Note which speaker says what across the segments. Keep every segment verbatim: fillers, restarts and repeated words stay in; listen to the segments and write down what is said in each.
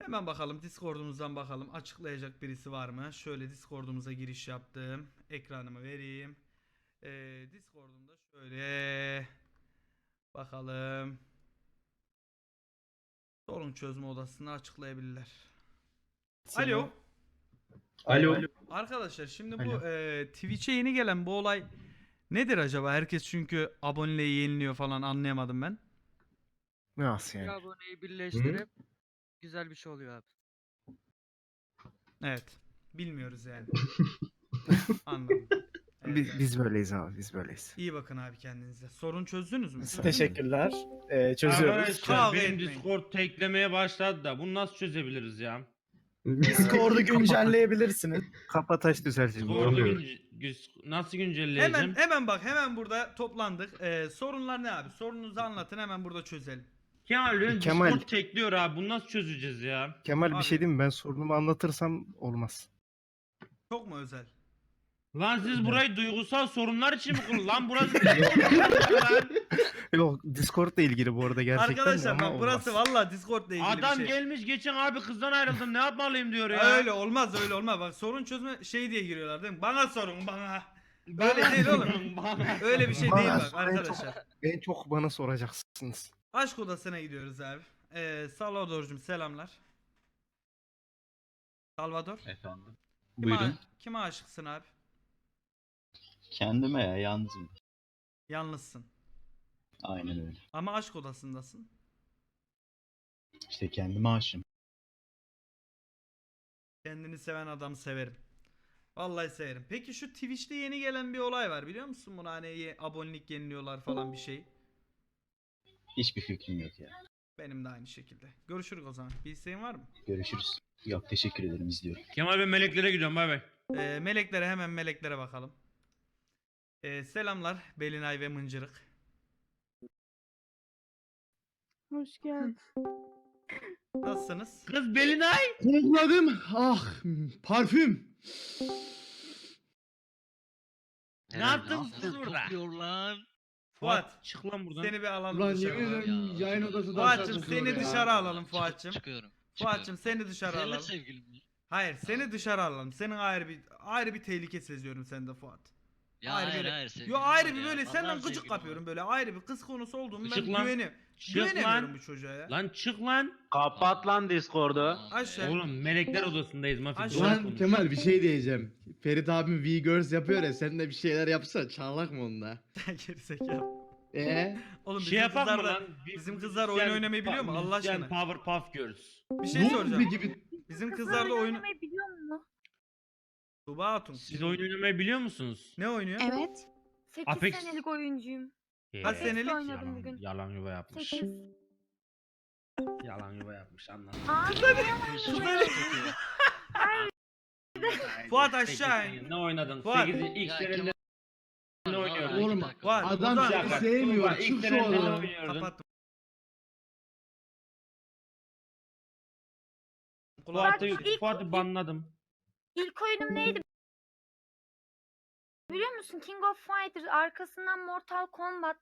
Speaker 1: Hemen bakalım Discord'umuzdan bakalım. Açıklayacak birisi var mı? Şöyle Discord'umuza giriş yaptım. Ekranımı vereyim. Ee, Discord'umda şöyle bakalım. Sorun çözme odasını açıklayabilirler. Alo.
Speaker 2: Alo.
Speaker 1: Arkadaşlar şimdi
Speaker 2: Alo.
Speaker 1: bu e, Twitch'e yeni gelen bu olay nedir acaba? Herkes çünkü aboneliği yeniliyor falan, anlayamadım ben.
Speaker 2: Nasıl
Speaker 3: Bir
Speaker 2: yani?
Speaker 3: aboneyi birleştirip güzel bir şey oluyor abi.
Speaker 1: Evet. Bilmiyoruz yani. Anladım. Evet,
Speaker 2: Biz,
Speaker 1: evet.
Speaker 2: biz böyleyiz abi, biz böyleyiz.
Speaker 1: İyi bakın abi kendinize. Sorun çözdünüz mü?
Speaker 2: Mesela-
Speaker 4: Teşekkürler. Ee, çözüyoruz.
Speaker 5: Arkadaşlar
Speaker 1: Kavga
Speaker 5: benim
Speaker 1: etmeyin.
Speaker 5: Discord teklemeye başladı da bunu nasıl çözebiliriz ya?
Speaker 4: Discord'u güncelleyebilirsiniz.
Speaker 2: Kapataş düzelteceğim.
Speaker 5: Discord'u
Speaker 2: Bilmiyorum.
Speaker 5: günce- güz- nasıl güncelleyeceğim?
Speaker 1: Hemen hemen bak, hemen burada toplandık. Ee, sorunlar ne abi? Sorununuzu anlatın, hemen burada çözelim.
Speaker 5: Kemal benim
Speaker 2: Kemal-
Speaker 5: Discord tekliyor abi. Bunu nasıl çözeceğiz ya?
Speaker 2: Kemal
Speaker 1: Abi.
Speaker 2: bir şey diyeyim mi? Ben sorunumu anlatırsam olmaz.
Speaker 1: Çok mu özel?
Speaker 5: Lan siz burayı duygusal sorunlar için mi kurun? Lan burası lan.
Speaker 2: Yok, Discord'la ilgili bu arada gerçekten de
Speaker 1: Arkadaşlar
Speaker 2: ama
Speaker 1: bak, burası
Speaker 2: olmaz.
Speaker 1: vallahi Discord'la ilgili
Speaker 5: Adam
Speaker 1: bir şey.
Speaker 5: gelmiş geçen abi kızdan ayrıldım ne yapmalıyım diyor ya.
Speaker 1: Öyle olmaz, öyle olmaz. Bak, sorun çözme şey diye giriyorlar değil mi? Bana sorun, bana.
Speaker 5: Bana
Speaker 1: Öyle değil oğlum.
Speaker 5: Bana.
Speaker 1: Öyle bir şey
Speaker 2: Bana
Speaker 1: değil bak
Speaker 2: sorun
Speaker 1: arkadaşlar.
Speaker 2: En çok bana soracaksınız.
Speaker 1: Aşk odasına gidiyoruz abi. Ee, Salvador'cum selamlar. Salvador.
Speaker 6: Efendim.
Speaker 1: Kime,
Speaker 6: Buyurun.
Speaker 1: kime aşıksın abi?
Speaker 6: Kendime ya yalnızım.
Speaker 1: Yalnızsın.
Speaker 6: Aynen öyle.
Speaker 1: Ama aşk odasındasın.
Speaker 6: İşte kendime aşığım.
Speaker 1: Kendini seven adam severim. Vallahi severim. Peki şu Twitch'te yeni gelen bir olay var, biliyor musun? Bunu hani ye- abonelik yeniliyorlar falan bir şey.
Speaker 6: Hiçbir fikrim yok ya.
Speaker 1: Benim de aynı şekilde. Görüşürüz o zaman. Bir isteğin var mı?
Speaker 6: Görüşürüz. Yok teşekkür ederim izliyorum.
Speaker 5: Kemal ben meleklere gidiyorum bay bay.
Speaker 1: Ee, meleklere, hemen meleklere bakalım. Ee, selamlar Belinay ve Mıncırık.
Speaker 7: Hoş geldin.
Speaker 1: Nasılsınız?
Speaker 5: Kız Belinay.
Speaker 8: Kokladım. Ah parfüm.
Speaker 5: Ne yaptın kız burada?
Speaker 3: lan.
Speaker 1: Fuat,
Speaker 5: Çık lan buradan.
Speaker 1: seni bir alalım
Speaker 8: Ulan
Speaker 1: dışarı.
Speaker 8: yemin ederim
Speaker 3: Ya.
Speaker 8: yayın odası daha
Speaker 1: Fuat'cım
Speaker 8: kokuyor
Speaker 1: seni
Speaker 8: ya.
Speaker 1: dışarı alalım Fuat'cım.
Speaker 3: Çıkıyorum.
Speaker 1: Fuat'cım seni dışarı
Speaker 3: Seninle
Speaker 1: alalım.
Speaker 3: sevgilim mi?
Speaker 1: Hayır, seni dışarı alalım. Senin ayrı bir ayrı bir tehlike seziyorum sende Fuat.
Speaker 3: Ya
Speaker 1: Ayrı
Speaker 3: hayır
Speaker 1: böyle-
Speaker 3: hayır sevgilim
Speaker 1: Yo ayrı
Speaker 3: var
Speaker 1: bir
Speaker 3: ya.
Speaker 1: böyle
Speaker 3: Vallahi
Speaker 1: senden gıcık
Speaker 3: sevgilim
Speaker 1: kapıyorum
Speaker 3: var.
Speaker 1: böyle, ayrı bir kız konusu olduğumu ben
Speaker 5: Çık lan.
Speaker 1: güveniyorum.
Speaker 5: Çık
Speaker 1: Güvenemiyorum
Speaker 5: lan.
Speaker 1: bu çocuğa ya.
Speaker 5: Lan çık lan.
Speaker 6: Kapat lan Discord'u.
Speaker 3: Tamam.
Speaker 1: Aşağı.
Speaker 5: Oğlum melekler odasındayız Mafik.
Speaker 1: Aşağı.
Speaker 5: doğru
Speaker 8: Ulan
Speaker 5: konuş.
Speaker 8: Kemal bir şey diyeceğim. Ferit abim V-Girls yapıyor ya sen de bir şeyler yapsa çağlak mı onda?
Speaker 1: Gerizekalı.
Speaker 8: Eee?
Speaker 1: Oğlum
Speaker 5: Şey
Speaker 1: bizim
Speaker 5: yapak
Speaker 1: kızlar
Speaker 5: mı
Speaker 1: da
Speaker 5: lan? Bir-
Speaker 1: bizim kızlar oyun
Speaker 5: müzisyen-
Speaker 1: oynamayı biliyor mu? Allah
Speaker 5: müzisyen
Speaker 1: aşkına.
Speaker 5: Powerpuff Girls.
Speaker 1: bir şey soracağım.
Speaker 8: gibi.
Speaker 1: Bizim
Speaker 7: Kızlar
Speaker 1: kızlar da
Speaker 7: oyun
Speaker 1: oyun
Speaker 7: oynamayı biliyor musun?
Speaker 1: Tuba Hatun.
Speaker 5: Siz oyun oynamayı biliyor musunuz?
Speaker 1: Ne oynuyor?
Speaker 7: Evet. sekiz
Speaker 5: Apex.
Speaker 7: senelik oyuncuyum.
Speaker 1: Kaç senelik?
Speaker 7: oynadım
Speaker 5: Yalan,
Speaker 7: bugün.
Speaker 5: yalan yuva yapmış.
Speaker 7: sekiz.
Speaker 5: Yalan yuva yapmış anladım.
Speaker 7: Aa,
Speaker 1: Fuat aşağı in.
Speaker 5: Ne oynadın?
Speaker 1: Fuat.
Speaker 5: sekiz ilk
Speaker 3: Ya
Speaker 5: senemde
Speaker 3: Kemal-
Speaker 5: ne oynuyordun?
Speaker 8: Oğlum,
Speaker 3: İki dakika.
Speaker 1: Var.
Speaker 8: Adam
Speaker 1: Ozan,
Speaker 8: seni
Speaker 5: dakika,
Speaker 8: sevmiyor.
Speaker 5: Tuğba, ilk
Speaker 8: Çık şu
Speaker 5: senemde ne
Speaker 8: odadan.
Speaker 5: oynuyordun?
Speaker 1: Kapattım.
Speaker 5: Fuat'ı
Speaker 7: ilk-
Speaker 5: Fuat'ı banladım.
Speaker 7: İlk oyunum neydi? Biliyor musun? King of Fighters, arkasından Mortal Kombat,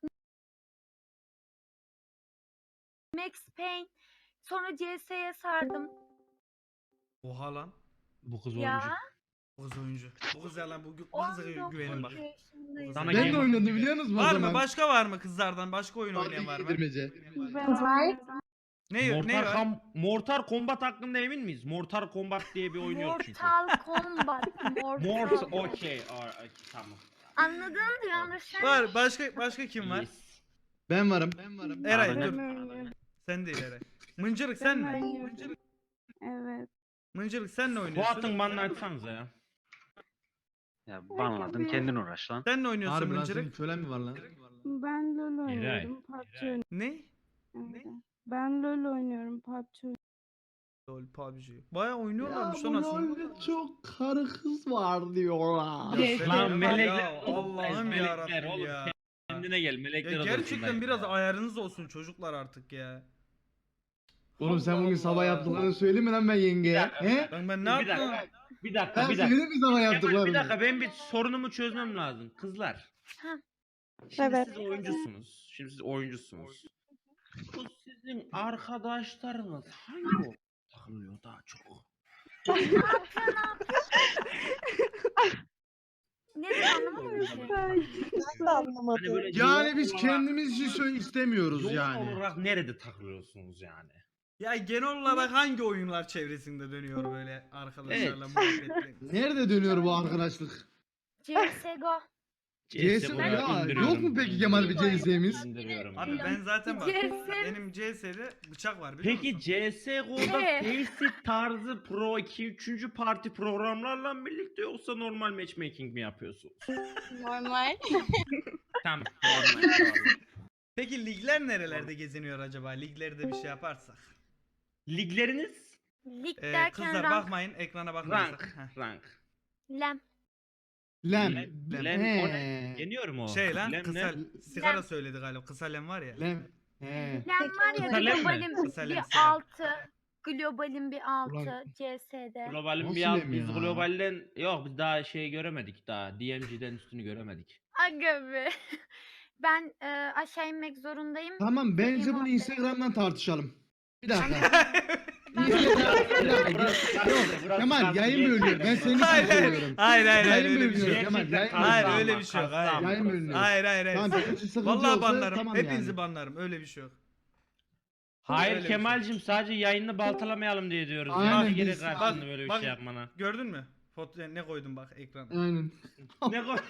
Speaker 7: Max Payne, sonra C S'ye sardım.
Speaker 1: Oha lan.
Speaker 5: Bu kız oyuncu.
Speaker 7: Ya.
Speaker 1: Bu kız oyuncu. Bu kız ya lan, bu, bu kıza
Speaker 7: on dokuz
Speaker 1: güvenin bak.
Speaker 7: yaşındayım.
Speaker 1: Sana
Speaker 8: Ben
Speaker 1: Game
Speaker 8: de
Speaker 1: of-
Speaker 8: oynadım biliyor musunuz o
Speaker 1: Var
Speaker 8: zaman?
Speaker 1: mı? Başka var mı kızlardan? Başka oyun
Speaker 8: Barbie
Speaker 1: oynayan var mı?
Speaker 8: yedirmece.
Speaker 1: Ne, ne
Speaker 5: Mortal,
Speaker 1: var?
Speaker 5: Kom- Mortal Kombat hakkında emin miyiz? Mortal Kombat diye bir oyun yok çünkü.
Speaker 7: Mortal Kombat. Mortal.
Speaker 5: Mortal okey. aa, okey, tamam.
Speaker 7: Anladın mı yanlış?
Speaker 1: Var. Başka başka kim var?
Speaker 5: Yes.
Speaker 8: Ben varım. Ben varım.
Speaker 1: Eray
Speaker 5: Ben
Speaker 1: dur. Sen değil Eray. Mıncırık sen mi?
Speaker 7: oynuyorum. Evet.
Speaker 1: Mıncırık sen ne oynuyorsun?
Speaker 5: Fuat'ın banını açsanıza ya.
Speaker 9: Ya banladın kendin uğraş lan.
Speaker 1: Sen ne oynuyorsun
Speaker 8: Harbi lan senin
Speaker 1: Mıncırık?
Speaker 8: kölen mi var lan?
Speaker 10: Ben LoL
Speaker 5: Eray,
Speaker 10: oynuyorum. P U B G oynuyorum.
Speaker 1: Ne?
Speaker 10: Evet. Ben LoL oynuyorum. P U B G oynuyorum.
Speaker 1: LoL P U B G. Bayağı
Speaker 8: Ya
Speaker 1: oynuyorlarmış
Speaker 8: bu
Speaker 1: lan aslında.
Speaker 8: LoL'de çok karı kız var diyorlar.
Speaker 1: Ya sen-
Speaker 5: Lan
Speaker 1: Ya
Speaker 5: melekler.
Speaker 1: Allah'ım
Speaker 5: melekler
Speaker 1: yarabbim
Speaker 5: oğlum,
Speaker 1: ya.
Speaker 5: Kendine gel melekler
Speaker 1: Ya
Speaker 5: odasındayım
Speaker 1: gerçekten biraz
Speaker 5: ya.
Speaker 1: ayarınız olsun çocuklar artık ya.
Speaker 8: Oğlum sen bugün
Speaker 1: Allah
Speaker 8: sabah
Speaker 1: Allah.
Speaker 8: yaptıklarını söyleyeyim mi lan ben yengeye?
Speaker 5: dakika,
Speaker 8: He?
Speaker 1: Ben ben ne
Speaker 5: Bir
Speaker 1: yaptım?
Speaker 5: dakika. Bir dakika
Speaker 8: Ben
Speaker 5: bir dakika.
Speaker 8: söyleyeyim mi sabah
Speaker 5: Kemal,
Speaker 8: yaptıklarını?
Speaker 5: bir dakika ben bir sorunumu çözmem lazım. Kızlar.
Speaker 7: Ha.
Speaker 5: Şimdi
Speaker 10: Evet.
Speaker 5: siz oyuncusunuz. Şimdi siz oyuncusunuz. Bu sizin arkadaşlarınız hangi o takımda takılıyor daha çok.
Speaker 7: Ne dedi anlamadım ki.
Speaker 10: Nasıl anlamadım?
Speaker 5: Hani böyle
Speaker 8: Yani
Speaker 5: yoğun
Speaker 8: biz
Speaker 5: olarak-
Speaker 8: kendimiz için söyle istemiyoruz
Speaker 5: yoğun
Speaker 8: yani.
Speaker 5: olarak nerede takılıyorsunuz yani?
Speaker 1: Ya genel olarak hangi oyunlar çevresinde dönüyor böyle arkadaşlarla
Speaker 5: Evet.
Speaker 1: muhabbetler?
Speaker 8: Nerede dönüyor bu arkadaşlık?
Speaker 7: C S G O.
Speaker 8: C S
Speaker 5: CS:GO'ya
Speaker 8: ya
Speaker 5: indiriyorum,
Speaker 8: yok mu peki Kemal bir C S'miz?
Speaker 5: indiriyorum.
Speaker 1: Abi ben zaten bak
Speaker 7: C S
Speaker 1: benim C S'de bıçak var biliyor
Speaker 5: Peki
Speaker 1: musun?
Speaker 5: C S G O'da
Speaker 7: Evet.
Speaker 5: Faceit tarzı Pro iki üçüncü parti programlarla mı birlikte yoksa normal matchmaking mi yapıyorsunuz?
Speaker 10: Normal.
Speaker 5: Tamam. Normal. tamam.
Speaker 1: Peki ligler nerelerde geziniyor acaba? Liglerde bir şey yaparsak.
Speaker 5: Ligleriniz?
Speaker 7: Lig
Speaker 1: Ee,
Speaker 7: derken
Speaker 1: kızlar
Speaker 7: rank.
Speaker 1: bakmayın ekrana bakmayın.
Speaker 5: Rank.
Speaker 1: sakın. Heh.
Speaker 5: Rank.
Speaker 7: Lem.
Speaker 8: Lem.
Speaker 5: Lem. Lem. O ne? Yeniyor mu o?
Speaker 1: Şey lan
Speaker 5: Lem ne?
Speaker 1: kısa sigara
Speaker 7: Lem.
Speaker 1: söyledi galiba. Kısa lem var ya.
Speaker 8: Lem. He.
Speaker 7: Lem var ya
Speaker 5: Kısa lem mi?
Speaker 7: globalin
Speaker 1: Kısa lem,
Speaker 7: bir
Speaker 1: kısa lem.
Speaker 7: altı. Globalin bir altı
Speaker 8: Ulan.
Speaker 7: C S'de.
Speaker 5: Globalin
Speaker 8: Nasıl
Speaker 5: bir alt,
Speaker 8: lem
Speaker 5: biz
Speaker 8: ya?
Speaker 5: globalden yok biz daha şey göremedik daha D M G'den üstünü göremedik.
Speaker 7: Aga be. Ben e, aşağı inmek zorundayım.
Speaker 8: Tamam bence
Speaker 7: Seveyim
Speaker 8: bunu
Speaker 7: abi.
Speaker 8: Instagram'dan tartışalım. Bir dakika. Instagram- Bir dakika. Yok, Kemal yayın bölünüyor. Ben senin için
Speaker 1: Hayır hayır.
Speaker 8: söylüyorum.
Speaker 1: Hayır hayır hayır
Speaker 8: Yayın
Speaker 1: öyle bir şey
Speaker 8: bölünüyor
Speaker 1: yok.
Speaker 8: Kemal. Yayın
Speaker 1: Hayır
Speaker 8: bölünüyor.
Speaker 1: öyle bir şey yok. Hayır.
Speaker 8: Yayın bölünüyor.
Speaker 1: Hayır hayır hayır.
Speaker 8: Tamam benim için sıkıntı
Speaker 1: Vallahi
Speaker 8: yoksa
Speaker 1: banlarım.
Speaker 8: tamam
Speaker 1: Hepinizi
Speaker 8: yani.
Speaker 1: banlarım. Öyle bir şey yok.
Speaker 5: Hayır
Speaker 1: Öyle bir şey.
Speaker 5: Kemal'cim sadece yayını baltalamayalım diye diyoruz.
Speaker 8: Aynen,
Speaker 5: Yani gerek
Speaker 8: biz-
Speaker 5: karşında
Speaker 1: bak-
Speaker 5: böyle bir
Speaker 1: bak-
Speaker 5: şey yapmana.
Speaker 1: Gördün mü? Foto ne koydum bak ekrana.
Speaker 8: Aynen.
Speaker 5: Ne koy?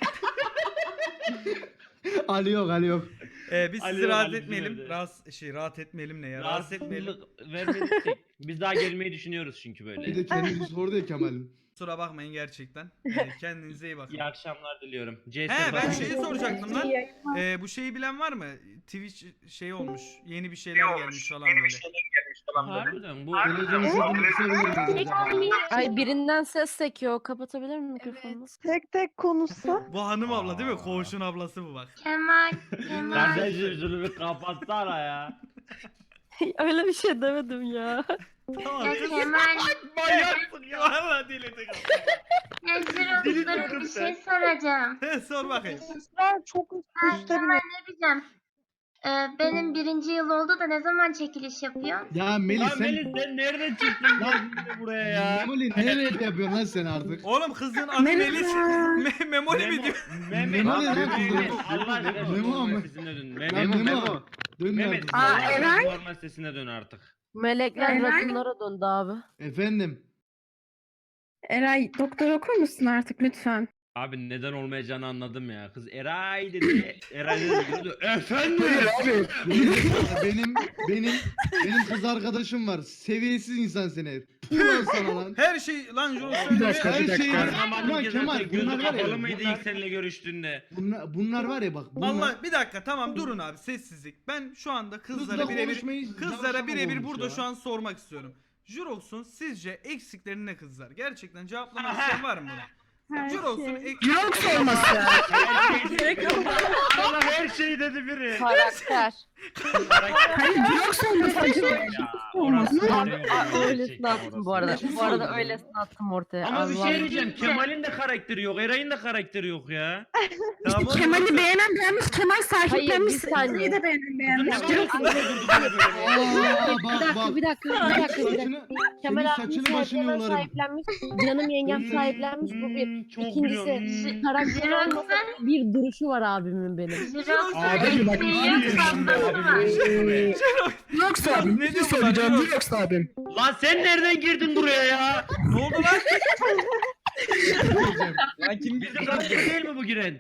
Speaker 8: Ali yok Ali yok.
Speaker 1: Ee, biz
Speaker 5: Ali
Speaker 1: sizi
Speaker 5: yok,
Speaker 1: rahat
Speaker 5: Ali
Speaker 1: etmeyelim.
Speaker 5: bizim evde.
Speaker 1: Rahatsız şey rahat etmeyelim ne ya? Rahatsız etmeyelim.
Speaker 5: Rahatsızlık vermedik. Biz daha gelmeyi düşünüyoruz çünkü
Speaker 8: Bir
Speaker 5: böyle.
Speaker 8: de kendisi sordu ya Kemal'in.
Speaker 1: Kusura bakmayın gerçekten. Ee, kendinize iyi bakın.
Speaker 5: İyi akşamlar diliyorum. C S
Speaker 1: He ben
Speaker 5: bakın.
Speaker 1: şeyi soracaktım lan. Ee, bu şeyi bilen var mı? Twitch şey olmuş. Yeni bir şeyler gelmiş falan böyle.
Speaker 5: Harbiden bu.
Speaker 8: Televizyonu sesini kısabilir miyiz acaba?
Speaker 10: Ay birinden ses sekiyor. Kapatabilir miyim mikrofonunu? Tek tek konuşsa.
Speaker 1: Bu hanım abla değil mi?
Speaker 5: Aa.
Speaker 1: Koğuşun ablası bu bak.
Speaker 7: Kemal. Kemal.
Speaker 5: Kardeşim şunu bir kapatsana ya.
Speaker 10: Öyle bir şey demedim ya.
Speaker 1: Tamam kız.
Speaker 7: Kemal.
Speaker 1: Manyaksın ya. Valla diledi kapat.
Speaker 7: Yazıyorum bir şey soracağım.
Speaker 1: He, sor bakayım.
Speaker 10: Çok
Speaker 7: Ben Kemal ne diyeceğim? Ee, benim birinci yıl oldu da ne zaman çekiliş yapıyor?
Speaker 8: Ya Melih
Speaker 5: Lan
Speaker 8: sen...
Speaker 5: Melis sen nereden çıktın lan şimdi buraya ya?
Speaker 8: Memoli ne rap yapıyorsun lan sen artık?
Speaker 1: Oğlum kızın adı Melis. Me Memoli mi diyor?
Speaker 5: Mehmet.
Speaker 8: Memo ne lan
Speaker 5: Mehmet.
Speaker 8: kızım?
Speaker 5: Allah aşkına
Speaker 8: Memo
Speaker 5: normal
Speaker 8: ama.
Speaker 5: sesine dön.
Speaker 8: Lan
Speaker 5: Mehmet.
Speaker 8: Memo. Dön
Speaker 5: Mehmet.
Speaker 8: artık.
Speaker 5: Allah aşkına normal sesine dön artık.
Speaker 10: Melekler rakımlara döndü abi.
Speaker 8: Efendim.
Speaker 10: Eray doktor okur musun artık lütfen?
Speaker 5: Abi neden olmayacağını anladım ya. Kız Eray dedi. Eray dedi. Efendim.
Speaker 8: Abi benim benim benim kız arkadaşım var. Seviyesiz insan seni. Puh lan sana lan.
Speaker 1: Her şey lan Jonas
Speaker 8: Bir dakika,
Speaker 1: söylüyor.
Speaker 8: bir
Speaker 1: Her
Speaker 8: dakika.
Speaker 1: şeyi.
Speaker 5: Anlamadım
Speaker 8: Ulan
Speaker 5: ki
Speaker 8: Kemal,
Speaker 5: zaten gözü
Speaker 8: bunlar var ya,
Speaker 5: kapalı mıydı
Speaker 8: bunlar-
Speaker 5: ilk seninle görüştüğünde?
Speaker 8: Bunlar, bunlar var ya bak. Bunlar,
Speaker 1: Allah bir dakika tamam durun abi sessizlik. Ben şu anda kızlara
Speaker 8: Kızla
Speaker 1: birebir
Speaker 8: konuşmayı
Speaker 1: kızlara
Speaker 8: yavşak
Speaker 1: birebir
Speaker 8: olmuş
Speaker 1: burada
Speaker 8: ya.
Speaker 1: şu an sormak istiyorum. Jurox'un sizce eksikleri ne kızlar? Gerçekten cevaplamak isteyen var mı buna? Jurox'un ek...
Speaker 10: Yok olması.
Speaker 5: Her şeyi Allah her şeyi dedi biri.
Speaker 10: Karakter.
Speaker 5: Hayır yok
Speaker 10: Öylesini attım bu arada. Bu arada öylesini attım ortaya.
Speaker 5: Ama bir
Speaker 10: Allah.
Speaker 5: şey diyeceğim. Kemal'in de karakteri yok. Eray'ın da karakteri yok ya.
Speaker 1: Tamam,
Speaker 10: Kemal'i beğenen beğenmiş, Kemal sahiplenmiş.
Speaker 11: bir saniye.
Speaker 10: de beğenen beğenmiş.
Speaker 5: Kızın ne kadar durduk böyle böyle.
Speaker 8: Aa,
Speaker 11: Bir
Speaker 8: bak
Speaker 11: dakika,
Speaker 8: bak.
Speaker 11: bir dakika, bir dakika, bir dakika.
Speaker 8: Saçını, senin
Speaker 11: Kemal abinin
Speaker 8: saçını başını
Speaker 11: hemen
Speaker 8: yolarım.
Speaker 11: sahiplenmiş. Canım yengem sahiplenmiş bu bir.
Speaker 5: Hmm, çok
Speaker 11: İkincisi
Speaker 5: biliyorum.
Speaker 11: karakter olmasa bir duruşu var abimin benim.
Speaker 8: Abi bak.
Speaker 10: Yoksa
Speaker 1: abim, ne diyor bunlar, Jirox?
Speaker 10: Yoksa abim.
Speaker 5: Lan sen nereden girdin buraya ya?
Speaker 1: Ne oldu lan?
Speaker 5: Lan kim bizim karakter değil mi bu giren?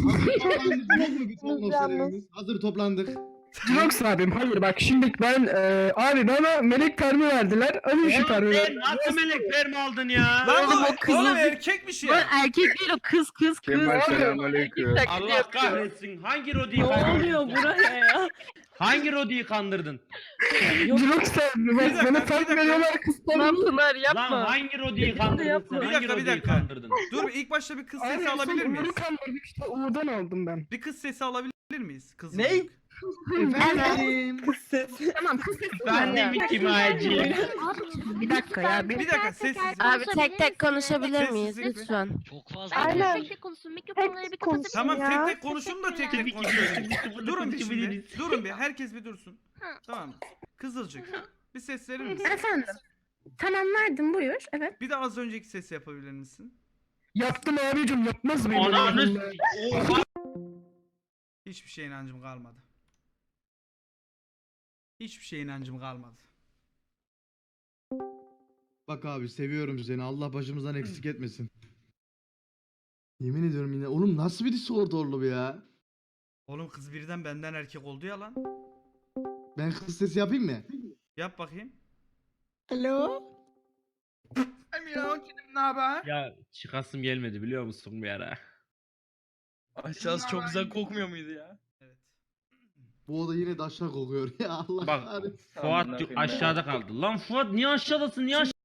Speaker 8: Hazır toplandık.
Speaker 10: Yoksa abim hayır bak şimdi ben e, abi bana melek permi verdiler. Öyle
Speaker 5: Oğlum sen nasıl melek permi aldın ya?
Speaker 1: Lan
Speaker 10: Oğlum,
Speaker 1: oğlum,
Speaker 10: o kızı-
Speaker 1: oğlum erkekmiş ya.
Speaker 10: erkek değil o kız kız kız.
Speaker 2: selamünaleyküm.
Speaker 5: Allah kahretsin. Hangi Rodi'yi
Speaker 11: Ne
Speaker 5: kandırdın?
Speaker 11: oluyor buraya ya?
Speaker 5: Hangi Rodi'yi kandırdın?
Speaker 10: Yoksa
Speaker 1: Bir dakika,
Speaker 10: bana
Speaker 1: bir
Speaker 10: permi
Speaker 1: dakika.
Speaker 10: veriyorlar kız permi. Pınar
Speaker 5: Lan hangi Rodi'yi kandırdın sen?
Speaker 1: Bir
Speaker 5: Hangi
Speaker 1: dakika, bir
Speaker 5: Rodi'yi
Speaker 1: dakika.
Speaker 5: kandırdın?
Speaker 1: Dur ilk başta bir kız
Speaker 10: Abi,
Speaker 1: sesi
Speaker 10: son
Speaker 1: alabilir miyiz?
Speaker 10: Umur'u kandırdık işte Umur'dan aldım ben.
Speaker 1: Bir kız sesi alabilir miyiz? Kız
Speaker 4: Ne?
Speaker 1: çocuk.
Speaker 8: Efendim.
Speaker 10: Tamam kız sesi.
Speaker 5: Ben de mi kimacıyım?
Speaker 10: Bir dakika ya. Bir...
Speaker 1: Bir dakika sessizlik.
Speaker 11: Abi tek tek konuşabilir miyiz
Speaker 1: Sessizlik mi?
Speaker 11: lütfen?
Speaker 9: Çok fazla.
Speaker 10: Aynen.
Speaker 7: Tek tek konuşsun. Mikrofonları bir kapatın.
Speaker 1: Tamam
Speaker 10: ya.
Speaker 1: tek tek konuşun da tek tek konuşun. Durun bir şimdi.
Speaker 5: Durun.
Speaker 1: Durun bir herkes bir dursun. Tamam. Kızılcık. Bir ses verir misin?
Speaker 10: Efendim.
Speaker 11: Tamam verdim buyur. Evet.
Speaker 1: Bir de az önceki sesi yapabilir misin?
Speaker 10: Yaptım abicim yapmaz mıyım?
Speaker 5: Ananı
Speaker 10: Allah
Speaker 5: s-
Speaker 10: Allah.
Speaker 5: Oha!
Speaker 1: Hiçbir şeye inancım kalmadı. Hiçbir şeye inancım kalmadı.
Speaker 8: Bak abi seviyorum seni. Allah başımızdan eksik etmesin. Yemin ediyorum yine. Oğlum nasıl bir Discord orlu bu ya?
Speaker 1: Oğlum kız birden benden erkek oldu ya lan.
Speaker 8: Ben kız sesi yapayım mı?
Speaker 1: Yap bakayım.
Speaker 11: Alo.
Speaker 5: Ya çıkasım gelmedi biliyor musun bir ara?
Speaker 3: Aşağısı çok güzel kokmuyor muydu ya?
Speaker 1: Evet.
Speaker 8: Bu oda yine daşla kokuyor ya Allah
Speaker 5: Bak
Speaker 8: kahretsin.
Speaker 5: Fuat aşağıda kaldı. Lan Fuat niye aşağıdasın? Niye